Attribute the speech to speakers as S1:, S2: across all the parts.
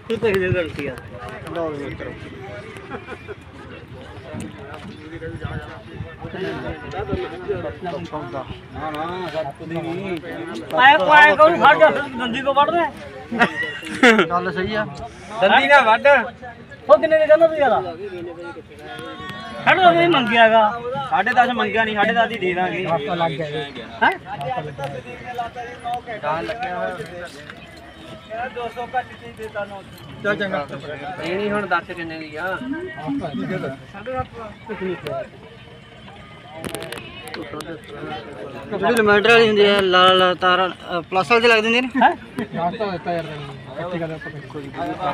S1: ਤੂੰ ਪੈਸੇ ਦੇ ਗਲਤੀ ਆ
S2: ਲਓ ਜੀ ਮਿੱਤਰੋ
S1: ਆਇਆ ਕੋਈ ਕੋਈ ਫੜ ਜਾ ਦੰਦੀ ਕੋ ਵੜਦੇ
S2: ਗੱਲ ਸਹੀ ਆ
S3: ਦੰਦੀ ਨਾ ਵੱਢ
S1: ਉਹ ਕਿੰਨੇ ਦੇ ਕਹਿੰਦਾ ਤੂੰ ਯਾਰਾ ਖੜੋ ਨਹੀਂ ਮੰਗਿਆਗਾ
S3: 10.5 ਮੰਗਿਆ ਨਹੀਂ 10.5 ਹੀ ਦੇ ਦਾਂਗੇ
S2: ਲੱਗ ਗਿਆ
S1: ਹੈ
S3: ਤਾਂ ਲੱਗਿਆ ਹੋਇਆ 200 ਘੱਟ ਹੀ ਦੇਤਾ ਨੋ
S2: ਚੱਲ ਚੰਗਾ
S3: ਇਹ ਨਹੀਂ ਹੁਣ ਦੱਸ ਕਿੰਨੇ ਦੀ ਆ
S2: ਜਿਹੜੀ ਲਿਮੈਂਟਰ ਵਾਲੀ ਹੁੰਦੀ ਹੈ ਲਾਲ ਲਾਲ ਤਾਰਾਂ ਪਲੱਸ ਵਾਲੀ ਲੱਗ ਦਿੰਦੀ ਨੇ
S1: ਹੈ
S2: ਰਾਸਤਾ ਦਿੱਤਾ ਯਾਰ ਇੱਥੇ ਗੱਲ ਆਪਾਂ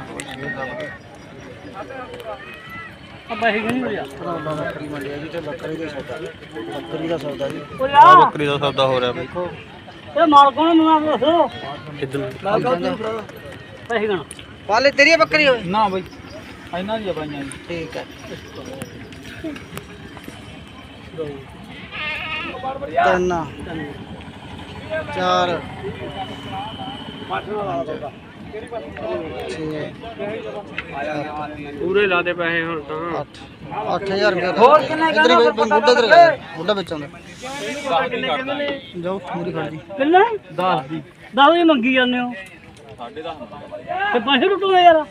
S1: ਆ ਪੈਸੇ ਕਿੰਨੇ ਹੋ ਜਾ
S2: ਬੱਕਰੀ ਮੰਡੀ ਆ ਜੀ ਤੇ ਬੱਕਰੀ ਦਾ ਸੌਦਾ ਬੱਕਰੀ ਦਾ ਸੌਦਾ ਜੀ
S1: ਓ ਯਾਰ
S4: ਬੱਕਰੀ ਦਾ ਸੌਦਾ ਹੋ ਰਿਹਾ ਬਈ
S1: ਇਹ ਮਾਲ ਕੋਣ ਨੂੰ ਨਾਮ ਦੱਸੋ
S4: ਕਿੱਧਰ
S1: ਪੈਸੇ ਗਣ
S2: ਪਾਲੇ ਤੇਰੀ ਬੱਕਰੀ ਹੋਵੇ
S3: ਨਾ ਬਈ ਇਹਨਾਂ ਦੀ ਬਾਈਆਂ
S2: ਠੀਕ ਹੈ ਤਿੰਨ ਚਾਰ 6
S3: ਪੂਰੇ ਲਾ ਦੇ ਪੈਸੇ ਹੁਣ ਤਾਂ
S2: 8000 ਰੁਪਏ ਹੋਰ ਕਿੰਨਾ ਬੁੱਢਾ ਵਿੱਚ ਆਉਂਦਾ ਜਾਓ ਮੇਰੀ ਖੜ ਜੀ
S1: ਕਿੰਨੇ
S3: 10 ਦੀ
S1: 10 ਦੀ ਮੰਗੀ ਜਾਂਦੇ ਹੋ 10.5 ਤੇ ਪੈਸੇ ਲੁੱਟੋਗੇ ਯਾਰ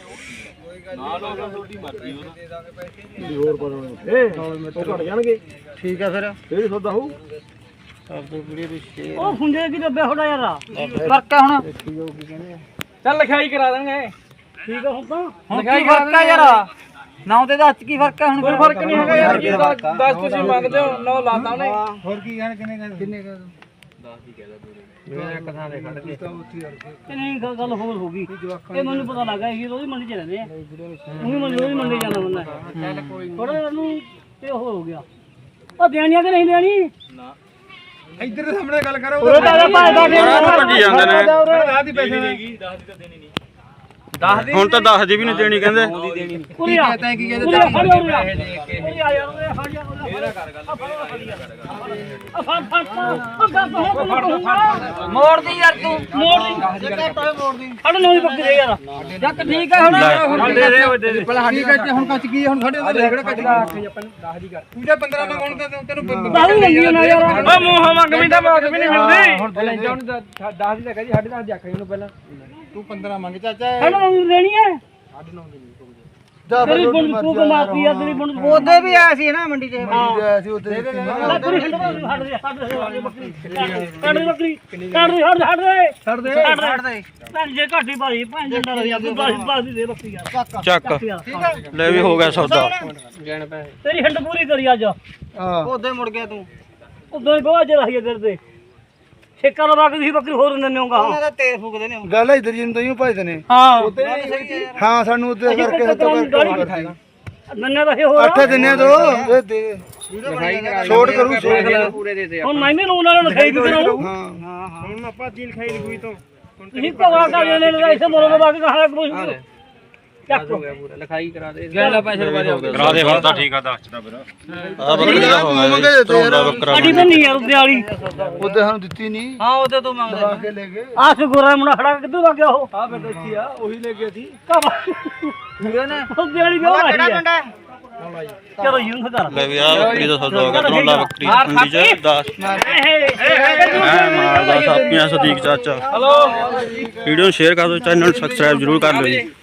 S2: ਘਟ ਜਾਣਗੇ ਠੀਕ ਹੈ ਫਿਰ ਇਹ ਸੌਦਾ ਹੋਊ ਸਭ ਤੋਂ ਵੀਡੀਓ ਦੀ ਸ਼ੇਅਰ
S1: ਉਹ ਖੁੰਝੇ ਕੀ ਦੱਬਿਆ ਥੋੜਾ ਯਾਰ
S2: ਫਰਕ ਹੈ ਹੁਣ ਦੇਖੀ ਜਾਓ ਕੀ ਕਹਿੰਦੇ ਆ
S3: ਚੱਲ ਲਿਖਾਈ ਕਰਾ ਦਾਂਗੇ
S1: ਠੀਕ ਆ ਹੁਣ ਤਾਂ
S2: ਹੁਣ ਕੀ ਫਰਕ ਹੈ ਯਾਰ ਨਾਮ ਤੇ ਦੱਸ ਕੀ ਫਰਕ ਹੈ ਹੁਣ
S3: ਕੋਈ ਫਰਕ ਨਹੀਂ ਹੈਗਾ ਯਾਰ ਜੀ 10 ਤੁਸੀਂ ਮੰਗਦੇ ਹੋ 9 ਲਾਤਾ ਉਹਨੇ
S2: ਹੋਰ ਕੀ ਕਹਿਣ ਕਿੰਨੇ ਕਹਿ
S3: 10 ਹੀ ਕਹਿਦਾ ਪੂਰੇ ਮੈਂ ਇੱਕ ਥਾਂ ਦੇ ਖੜ ਕੇ
S1: ਕਿ ਨਹੀਂ ਗੱਲ ਹੋਰ ਹੋ ਗਈ ਇਹ ਮੈਨੂੰ ਪਤਾ ਲੱਗਾ ਇਹ ਉਹਦੀ ਮੰਡੀ ਚ ਰਹਿੰਦੇ ਆ ਉਹੀ ਮੰਡੀ ਜਾਣਾ ਬੰਦਾ
S3: ਚੱਲ ਕੋਈ
S1: ਥੋੜਾ ਜਿਹਾ ਨੂੰ ਤੇ ਉਹ ਹੋ ਗਿਆ ਉਹ ਦੇਣੀਆਂ ਕਿ ਨਹੀਂ ਦੇਣੀ
S3: ਨਾ
S2: ਇੱਧਰ ਦੇ ਸਾਹਮਣੇ ਗੱਲ ਕਰੋ
S1: ਉਹ ਤਾਂ ਭਾਈ ਦਾ
S4: ਭੱਜੀ ਜਾਂਦੇ ਨੇ
S2: 10 ਦੀ ਪੈਸੇ
S3: ਦੇਗੀ 10 ਦੀ ਤਾਂ ਦੇਣੀ ਨਹੀਂ 10 ਦੀ
S4: ਹੁਣ ਤਾਂ 10 ਦੀ ਵੀ ਨਹੀਂ ਦੇਣੀ ਕਹਿੰਦੇ
S3: ਦੀ ਦੇਣੀ ਨਹੀਂ
S1: ਪੂਰੀ ਆ
S2: ਤੈਂ ਕੀ
S1: ਪੂਰੀ ਆ ਫੜ ਲਿਆ
S3: ਪੈਸੇ ਦੇ ਕੇ
S1: ਪੂਰੀ ਆ ਯਾਰ ਉਹ ਫੜ ਜਾ
S3: ਇਹਦਾ ਕਰ ਗੱਲ
S1: ਆ ਫੜ ਉਹ ਗੱਲ
S2: ਮੋੜ ਦੀ ਯਾਰ ਤੂੰ
S1: ਮੋੜ ਦੀ
S2: ਮੋੜ ਦੀ
S1: ਫੜ ਨਵੀਂ ਬੱਕਰੀ ਦੇ ਯਾਰ
S2: ਜੱਕ ਠੀਕ ਹੈ ਹੁਣ
S3: ਦੇ ਦੇ
S2: ਪਹਿਲਾਂ ਸਾਡੀ ਕੱਚ ਹੁਣ ਕੱਚ ਗਈ ਹੁਣ ਸਾਡੇ ਉੱਤੇ ਕਿਹੜਾ ਕੱਚ ਗਈ 10 ਦੀ ਕਰ ਪੂਜਾ 15 ਮੰਗਣ ਤਾਂ ਤੈਨੂੰ
S1: ਦਾਰੂ ਮੰਗੀ ਨਾ ਯਾਰ
S3: ਓ ਮੂੰਹ ਮੰਗ ਵੀ ਤਾਂ ਬਾਤ ਵੀ ਨਹੀਂ ਮਿਲਦੀ
S2: ਹੁਣ 10 ਦੀ ਤਾਂ ਕਹੀ 10.5 ਦੀ ਆਖੀ ਉਹਨੂੰ ਪਹਿਲਾਂ ਤੂੰ 15 ਮੰਗ ਚਾਚਾ
S1: ਫੜ ਨਵੀਂ ਦੇਣੀ ਹੈ
S2: 9.5
S1: ਤੇਰੀ ਬੁਣ ਤੂੰ ਕਮਾਤੀ ਆ ਤੇਰੀ ਬੁਣ
S2: ਉਹਦੇ ਵੀ ਆਇਆ ਸੀ ਨਾ ਮੰਡੀ ਤੇ
S1: ਆਇਆ ਸੀ ਉਹਦੇ ਬੱਕਰੀ ਹਟ ਦੇ ਬੱਕਰੀ ਕੱਢ ਦੇ ਬੱਕਰੀ ਕੱਢ ਦੇ ਹਟ ਦੇ
S2: ਛੱਡ ਦੇ
S1: ਭੈਣ ਜੇ ਘਾਟੀ ਭਾਈ ਭੈਣ ਜੇ ਡਰ ਗਿਆ ਤੂੰ ਬਾਸ ਦੇ ਬੱਕਰੀ ਯਾਰ
S4: ਚੱਕ
S1: ਯਾਰ
S4: ਲੈ ਵੀ ਹੋ ਗਿਆ ਸੌਦਾ
S3: ਗਣ ਪੈਸੇ
S1: ਤੇਰੀ ਹਿੰਡ ਪੂਰੀ ਕਰੀ ਅੱਜ
S2: ਉਹਦੇ ਮੁੜ ਗਿਆ ਤੂੰ
S1: ਉਦੋਂ ਹੀ ਬਹੁਤ ਜਰਾ ਹੀ ਕਰਦੇ ਠੇਕਾ ਲਵਾ ਕੇ ਤੁਸੀਂ ਬੱਕਰੀ ਹੋਰ ਦਿੰਦੇ ਹੋਗਾ
S2: ਉਹਨਾਂ ਦਾ ਤੇਲ ਫੂਕਦੇ ਨੇ
S5: ਗੱਲ ਇਧਰ ਜੀ ਨੂੰ ਤਾਂ ਹੀ ਭਜਦੇ ਨੇ
S1: ਹਾਂ
S5: ਹਾਂ ਸਾਨੂੰ ਉੱਤੇ ਕਰਕੇ ਹੱਥੋਂ ਕਰਕੇ
S1: ਨੰਨੇ ਦਾ ਹੋਰ
S5: ਅੱਠ ਦਿਨੇ ਤੋਂ ਇਹ ਦੇ ਛੋੜ ਕਰੂ ਛੋੜ
S3: ਪੂਰੇ ਦੇ ਦੇ
S1: ਹੁਣ ਮੈਂ ਵੀ ਲੋਨ ਵਾਲਿਆਂ ਨੂੰ ਲਿਖਾਈ ਵੀ ਕਰਾਉਂ
S5: ਹਾਂ
S2: ਹੁਣ ਆਪਾਂ ਜੀ ਲਿਖਾਈ ਲਿਖੂਈ ਤੋਂ
S1: ਤੁਸੀਂ ਭਗਵਾ ਕਰ ਲੈਣੇ ਨੇ ਇਸੇ ਮੋਰੋ ਬਾਕੀ ਕਹਾਂ ਕੁਝ ਚੱਕ
S3: ਹੋ ਗਿਆ ਪੂਰਾ ਲਿਖਾਈ ਕਰਾ ਦੇ ਗਣ ਪੈਸੇ ਲਵਾ ਦੇ
S4: ਕਰਾ ਦੇ ਹੁਣ ਤਾਂ ਠੀਕ ਆ ਦੱਸਦਾ ਫਿਰ ਆ ਬੱਕਰੀ ਦਾ ਹੋ ਗਿਆ ਜੀ ਸੌਦਾ ਬੱਕਰਾ
S1: ਸਾਡੀ ਤਾਂ ਨਹੀਂ ਯਾਰ ਉੱਤੇ ਵਾਲੀ
S5: ਉਹਦੇ ਸਾਨੂੰ ਦਿੱਤੀ ਨਹੀਂ
S2: ਹਾਂ ਉਹਦੇ ਤੋਂ ਮੰਗਦਾ
S5: ਕੇ ਲੈ ਗਏ
S1: ਆਹ ਗੋਰਾ ਮੁੰਡਾ ਖੜਾ ਕਿੱਧਰ ਲੱਗ ਗਿਆ ਉਹ
S2: ਆ ਫਿਰ ਦੇਖੀ ਆ ਉਹੀ ਲੈ ਗਿਆ ਸੀ
S1: ਉਹਦੇ ਵਾਲੀ ਵਿਆਹ ਆਈ
S2: ਕਿਹੜਾ
S1: ਹੈ
S2: ਪਿੰਡ ਹੈ
S1: ਚਲੋ ਯੂੰ ਕਰ
S4: ਲੈ ਵੀ ਆ ਬੱਕਰੀ ਦਾ ਸੌਦਾ ਹੋ ਗਿਆ ਤਰੌਂਡਾ ਬੱਕਰੀ ਮੰਡੀ ਚ 10 ਮਾਰਦਾ ਸਾਪੀਆਂ ਸਦੀਕ ਚਾਚਾ
S3: ਹਲੋ
S4: ਵੀਡੀਓ ਨੂੰ ਸ਼ੇਅਰ ਕਰ ਦਿਓ ਚੈਨਲ ਨੂੰ ਸਬਸਕ੍ਰਾਈਬ ਜ਼ਰੂਰ ਕਰ ਲਿਓ ਜੀ